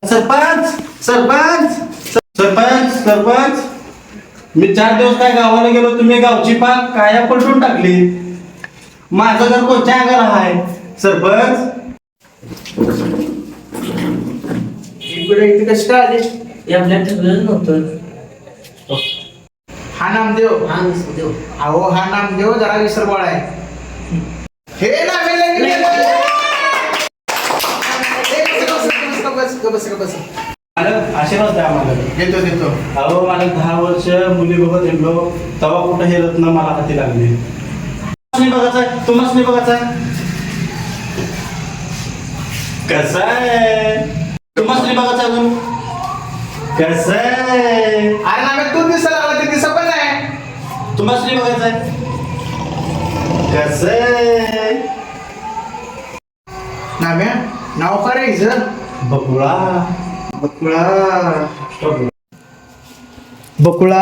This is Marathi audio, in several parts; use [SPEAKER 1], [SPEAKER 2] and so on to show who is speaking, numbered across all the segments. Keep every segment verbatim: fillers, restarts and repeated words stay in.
[SPEAKER 1] सरपंच सरपंच सरपंच सरपंच मी चार दिवस काय गावाला गेलो, तुम्ही गावची पाक काया पलटून टाकली. माझं घर कोणत्या अंगाला आहे सरपंच?
[SPEAKER 2] इकडे कशी काय आली?
[SPEAKER 3] हे आपल्या ठरलेलं नव्हतं.
[SPEAKER 2] हा नामदेव.
[SPEAKER 3] हा देव.
[SPEAKER 2] अहो हा नामदेव जरा विसरबळ आहे. हे नामे बस बस
[SPEAKER 1] मालक आशीर्वाद द्या आम्हाला.
[SPEAKER 2] देतो देतो.
[SPEAKER 1] अहो मला दहा वर्ष मुली बघत हिंडलो, तेव्हा कुठं हे रत्न मला हाती लागले. नाही बघायचं तुम्हाला नाही बघायचं कसं आहे, तुम्हाला नाही बघायचं अजून कसं आहे.
[SPEAKER 2] अरे नामे तू दिसायला लागला ते दिसत पण नाही.
[SPEAKER 1] तुम्हाला नाही बघायचं कसं आहे.
[SPEAKER 2] नाम्या नाव काय रे हिचं?
[SPEAKER 1] बकुळा
[SPEAKER 2] बकुळा बकुळा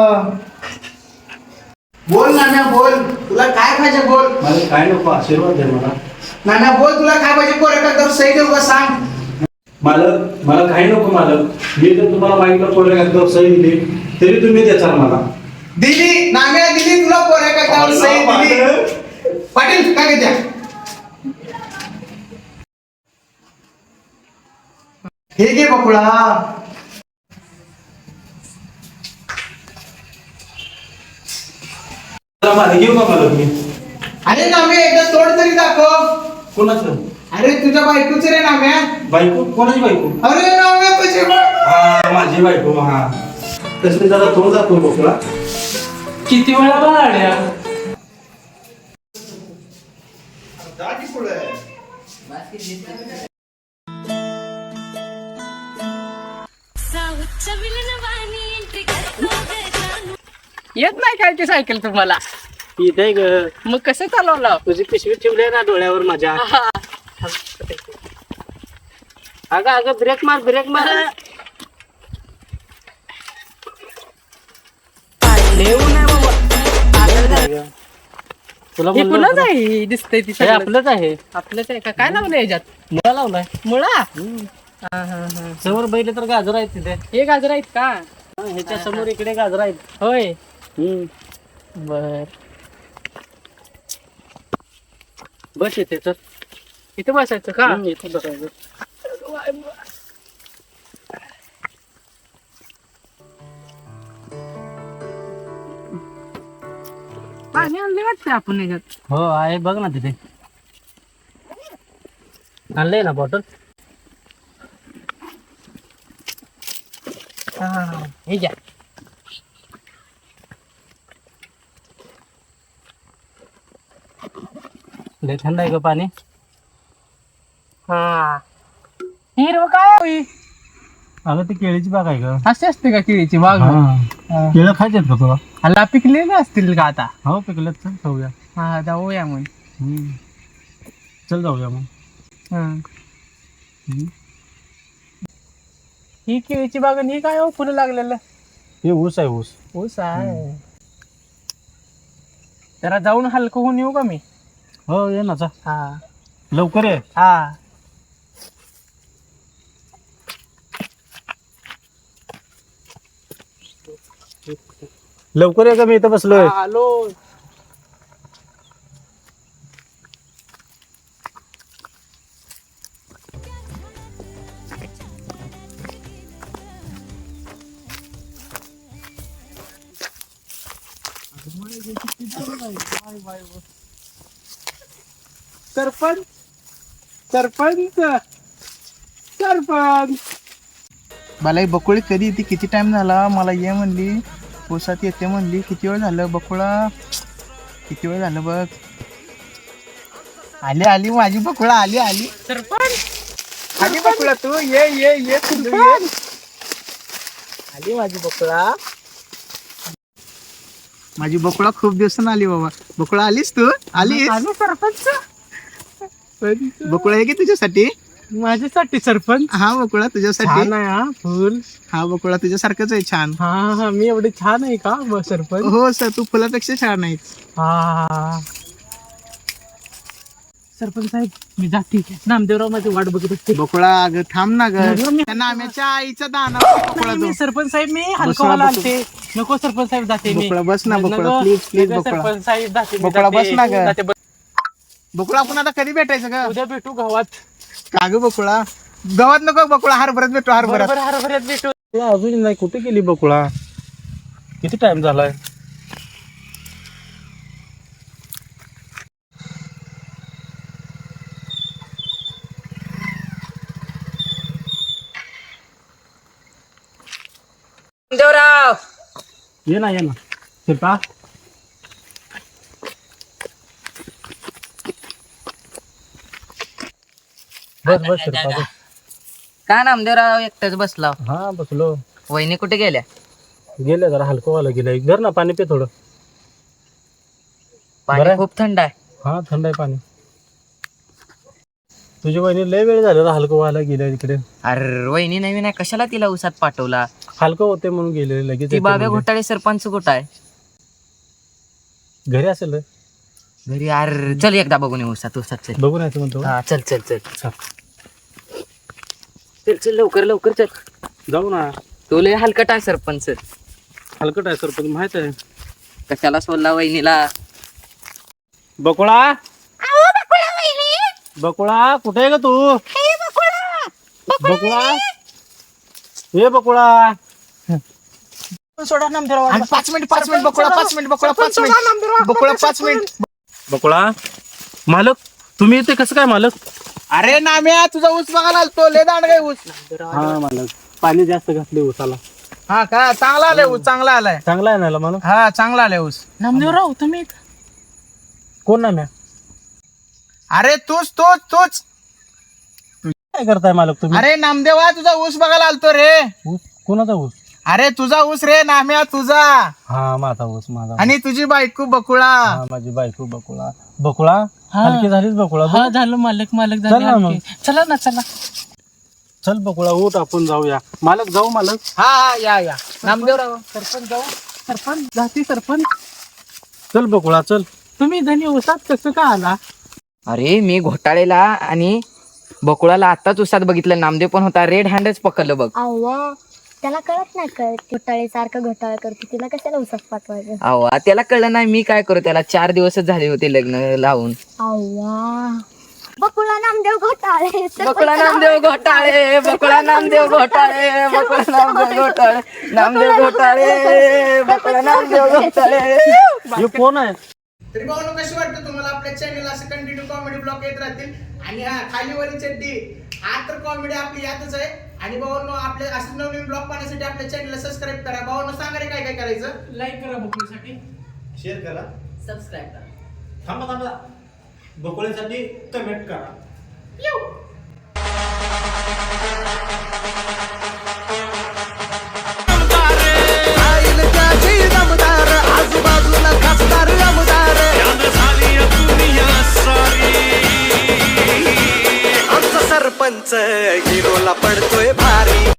[SPEAKER 2] बोल नाम्या बोल, तुला काय पाहिजे बोल.
[SPEAKER 1] मला काय नको, आशीर्वाद द्या मला.
[SPEAKER 2] नाम्या बोल, तुला काय पाहिजे बोल. एका तर सही देऊ का सांग.
[SPEAKER 1] मालक मला काही नको मालक. मी जर तुम्हाला मागितलं कोऱ्या कागदावर सही दिली तरी तुम्ही द्याचाल मला.
[SPEAKER 2] दिली नाम्या दिली तुला कोऱ्या कागदावर सही दिली. पाटील काय द्या. हे घे बकुळा.
[SPEAKER 1] मला घेऊ का मालक मी?
[SPEAKER 2] अरे नाम्या एकदा तोड तरी दाखव.
[SPEAKER 1] कोणाचं?
[SPEAKER 2] अरे तुझ्या बायकोच रे नाम्या.
[SPEAKER 1] बायको? कोणाची बायको?
[SPEAKER 2] अरे नाम्या तुझी बायको.
[SPEAKER 1] हा माझी बायको. हा तसं जरा तोंड जातो बकुळा.
[SPEAKER 3] किती वेळा बाळ्या
[SPEAKER 4] येत नाही काय ती सायकल तुम्हाला?
[SPEAKER 1] इथे ग
[SPEAKER 4] मग कसं चालवलं?
[SPEAKER 1] तुझी पिशवी ठेवली ना डोळ्यावर माझ्या.
[SPEAKER 4] अगं अगं ब्रेक मार ब्रेक मार. येऊ नाही बाबा.
[SPEAKER 3] तुला
[SPEAKER 4] हे कुणाच आहे दिसतंय ती सगळं?
[SPEAKER 3] आपलंच आहे.
[SPEAKER 4] आपलंच आहे का? काय लावलं याच्यात?
[SPEAKER 3] मुळा लावलाय.
[SPEAKER 4] मुळा. हा हा हा.
[SPEAKER 3] समोर बैल तर गाजर आहेत तिथे.
[SPEAKER 4] हे गाजर आहेत का?
[SPEAKER 3] हा, ह्याच्या समोर इकडे गाजर आहेत.
[SPEAKER 4] होय
[SPEAKER 3] हम्म
[SPEAKER 4] बर.
[SPEAKER 3] बस येते तर
[SPEAKER 4] इथं बसायचं का?
[SPEAKER 3] हम्म, इथे बसायचं.
[SPEAKER 4] पाणी आणले वाटतं आपण याच्यात.
[SPEAKER 3] हो आहे बघ ना तिथे. आणलंय ना बॉटल.
[SPEAKER 4] हा हे घ्या.
[SPEAKER 3] लय थंड आहे का पाणी?
[SPEAKER 4] हा हिरव काय होई?
[SPEAKER 3] अगं ती केळीची बाग आहे का?
[SPEAKER 4] अशी असते का केळीची बाग?
[SPEAKER 3] केळं खायचे का तुला?
[SPEAKER 4] हल्ला पिकलेले असतील का आता?
[SPEAKER 3] हो पिकलं. चल जाऊया.
[SPEAKER 4] हा जाऊया मग.
[SPEAKER 3] हम्म. चल जाऊया मग.
[SPEAKER 4] हं.
[SPEAKER 3] हम्म.
[SPEAKER 4] ही केळीची बाग आणि ही काय हो फुलं लागलेलं?
[SPEAKER 3] हे ऊस आहे ऊस.
[SPEAKER 4] ऊस आहे. जरा जाऊन हलकं होऊन येऊ का मी?
[SPEAKER 3] हो ये ना चा.
[SPEAKER 4] हा
[SPEAKER 3] लवकर ये.
[SPEAKER 4] हा.
[SPEAKER 3] लवकर ये का मी इथं बसलोय.
[SPEAKER 4] आलो. सरपंच सरपंच सरपंच
[SPEAKER 2] मला ही बकुळी कधी येते? किती टाइम झाला? मला ये म्हणली, पोसात येते म्हणली. किती वेळ झालं बकुळा? किती वेळ झालं बघ. आली आली माझी बकुळा. आली आली
[SPEAKER 4] सरपंच
[SPEAKER 2] आली बकुळा. तू ये ये ये तू ये. आली माझी बकुळा. माझी बकुळा खूप दिवसानं आली बाबा. बकुळा आलीस तू? आलीस?
[SPEAKER 4] आलो सरपंच.
[SPEAKER 2] बकुळा आहे की तुझ्यासाठी?
[SPEAKER 4] माझ्यासाठी सरपंच.
[SPEAKER 2] हा बकुळा तुझ्यासाठी.
[SPEAKER 4] छान आहे हा फुल.
[SPEAKER 2] हा बकुळा तुझ्यासारखंच आहे छान.
[SPEAKER 4] हा हा मी एवढी छान आहे का ब सरपंच?
[SPEAKER 2] हो सर, तू फुलापेक्षा छान आहेस.
[SPEAKER 4] हा सरपंच साहेब मी जाते नामदेवराव माझी वाट बघत असते
[SPEAKER 2] बकुळा अगं थांब ना ग
[SPEAKER 4] मी-
[SPEAKER 2] त्या नाम्याच्या आईचा दाना बकुळा
[SPEAKER 4] नाही,
[SPEAKER 2] तो.
[SPEAKER 4] मी सरपंच साहेब मी
[SPEAKER 2] बस
[SPEAKER 4] हलकवाला
[SPEAKER 2] ना, बस.
[SPEAKER 4] आलते नको सरपंच साहेब जाते मी
[SPEAKER 2] बकुळा बस ना बकुळा
[SPEAKER 4] नको,
[SPEAKER 2] प्लीज प्लीज
[SPEAKER 4] नको,
[SPEAKER 2] बकुळा
[SPEAKER 4] सरपंच साहेब जाते मी,
[SPEAKER 2] बकुळा,
[SPEAKER 4] जाते.
[SPEAKER 2] बस ना ग.
[SPEAKER 4] जाते, बस.
[SPEAKER 2] बकुळा आपण आता कधी भेटायचं ग
[SPEAKER 4] उद्या भेटू गावात
[SPEAKER 2] का ग बकुळा गावात नको बकुळा हरभऱ्यात भेटू हरभऱ्यात
[SPEAKER 4] बरोबर हरभऱ्यात भेटू
[SPEAKER 3] ते अजून नाही कुठे गेली बकुळा किती टाइम झालाय
[SPEAKER 5] देवराव
[SPEAKER 3] ये ना ये ना शिल्पा बस बस शिल्पा बस
[SPEAKER 5] का नामदेवराव एकटाच बसला
[SPEAKER 3] हा बसलो
[SPEAKER 5] वहिनी कुठे गेल्या
[SPEAKER 3] गेले जरा हलकं व्हायला गेलंय घर ना पाणी पे थोडं
[SPEAKER 5] पाणी
[SPEAKER 3] बरं.
[SPEAKER 5] खूप थंड आहे
[SPEAKER 3] हा थंड आहे पाणी तुझी बहिणी लय वेळ झालेला हलकं व्हायला गेल्या इकडे
[SPEAKER 5] अरे वहिनी नवीन आहे कशाला तिला उसात पाठवला
[SPEAKER 3] हलकं होते म्हणून गेले लगेच
[SPEAKER 5] ती
[SPEAKER 3] येते
[SPEAKER 5] बाब्या
[SPEAKER 3] म्हणजे.
[SPEAKER 5] घोटाळे सरपंच कुठं आहे
[SPEAKER 3] घरी असेल रे
[SPEAKER 5] घरी अरे चल एकदा बघून येऊ उसात उसात चल
[SPEAKER 3] बघून यायचं म्हणतो
[SPEAKER 5] हा चल चल चल
[SPEAKER 3] चल.
[SPEAKER 5] चल चल लवकर लवकर चल
[SPEAKER 3] जाऊ ना
[SPEAKER 5] तो लय हलकट आहे सरपंच
[SPEAKER 3] हलकट आहे सर पण माहित आहे
[SPEAKER 5] कशाला सोडला वहिनीला
[SPEAKER 3] बकुळा बकुळा कुठे आहे ग तू बकुळा हे बकुळा
[SPEAKER 4] सोडा नामदेवराव
[SPEAKER 2] आणि पाच मिनिट पाच मिनिट बकुळा पाच मिनिट बकुळा पाच मिनिट बकुळा पाच मिनिट
[SPEAKER 3] बकुळा मालक तुम्ही इथे कसं काय मालक
[SPEAKER 2] अरे नाम्या तुझा ऊस बघायला आलतो लय दांड काय ऊस
[SPEAKER 3] हा मालक पाणी जास्त घातले ऊसाला
[SPEAKER 2] हा का चांगला आलाय ऊस चांगला आलाय
[SPEAKER 3] चांगला आहे ना मालक
[SPEAKER 2] हा चांगला आलाय ऊस
[SPEAKER 4] नामदेवराव तुम्ही
[SPEAKER 3] कोण ना म्या
[SPEAKER 2] अरे तूच तूच तूच
[SPEAKER 3] काय करताय मालक तुम्ही
[SPEAKER 2] अरे नामदेवा तुझा ऊस बघायला आलतो रे
[SPEAKER 3] ऊस कोणाचा ऊस
[SPEAKER 2] अरे तुझा ऊस रे नाम्या तुझा
[SPEAKER 3] हा माझा ऊस माझा ऊस.
[SPEAKER 2] आणि तुझी बायको बकुळा
[SPEAKER 3] हा माझी बायको बकुळा बकुळा
[SPEAKER 4] हा.
[SPEAKER 3] हलकी झालीच बकुळा तू?
[SPEAKER 4] हा झालं मालक मालक
[SPEAKER 3] चल ना
[SPEAKER 4] झाले
[SPEAKER 3] मग.
[SPEAKER 4] आणखी. चला ना चला
[SPEAKER 3] चल बकुळा उठ आपण जाऊया मालक जाऊ मालक
[SPEAKER 2] हा हा या या
[SPEAKER 5] नामदेवराव
[SPEAKER 4] सरपंच जाऊ सरपंच जाती सरपंच
[SPEAKER 3] चल बकुळा चल
[SPEAKER 4] तुम्ही धनी उसात कसं का आला
[SPEAKER 5] अरे मी घोटाळेला आणि बकुळाला आताच उसात बघितलं नामदेव पण होता रेड हँडच पकडलं बघ
[SPEAKER 6] अव्वा त्याला कळत नाही कळत घोटाळे सारखं घोटाळा करतो तिला कशाला उसात पाठवायचं
[SPEAKER 5] अवा त्याला कळलं नाही मी काय करू त्याला चार दिवसच झाले होते लग्न लावून
[SPEAKER 6] अव्वा बकुळा नामदेव घोटाळे
[SPEAKER 5] बकुळा नामदेव घोटाळे बकुळा नामदेव घोटाळे बकुळा नामदेव घोटाळे नामदेव घोटाळे बकुळा नामदेव घोटाळे
[SPEAKER 3] हे कोण आहे
[SPEAKER 2] तरी भाऊ कशी वाटतं तुम्हाला आपल्या चॅनल असं कंटिन्यू कॉमेडी ब्लॉग येत राहतील आणि हा खालीवरी चड्डी हा तर कॉमेडी आपली यातच आहे आणि भाऊ आपल्या असं नवीन ब्लॉग पाहण्यासाठी आपल्या चॅनलला सबस्क्राईब करा भाऊ सांगा रे काय काय करायचं
[SPEAKER 4] लाईक करा बकुळीसाठी
[SPEAKER 1] शेअर करा
[SPEAKER 5] सबस्क्राईब करा
[SPEAKER 1] थांबा थांबा बकुळ्यासाठी कमेंट करा
[SPEAKER 7] आजूबाजूला खासदार आमदार आमचा सरपंच हिरोला पडतोय भारी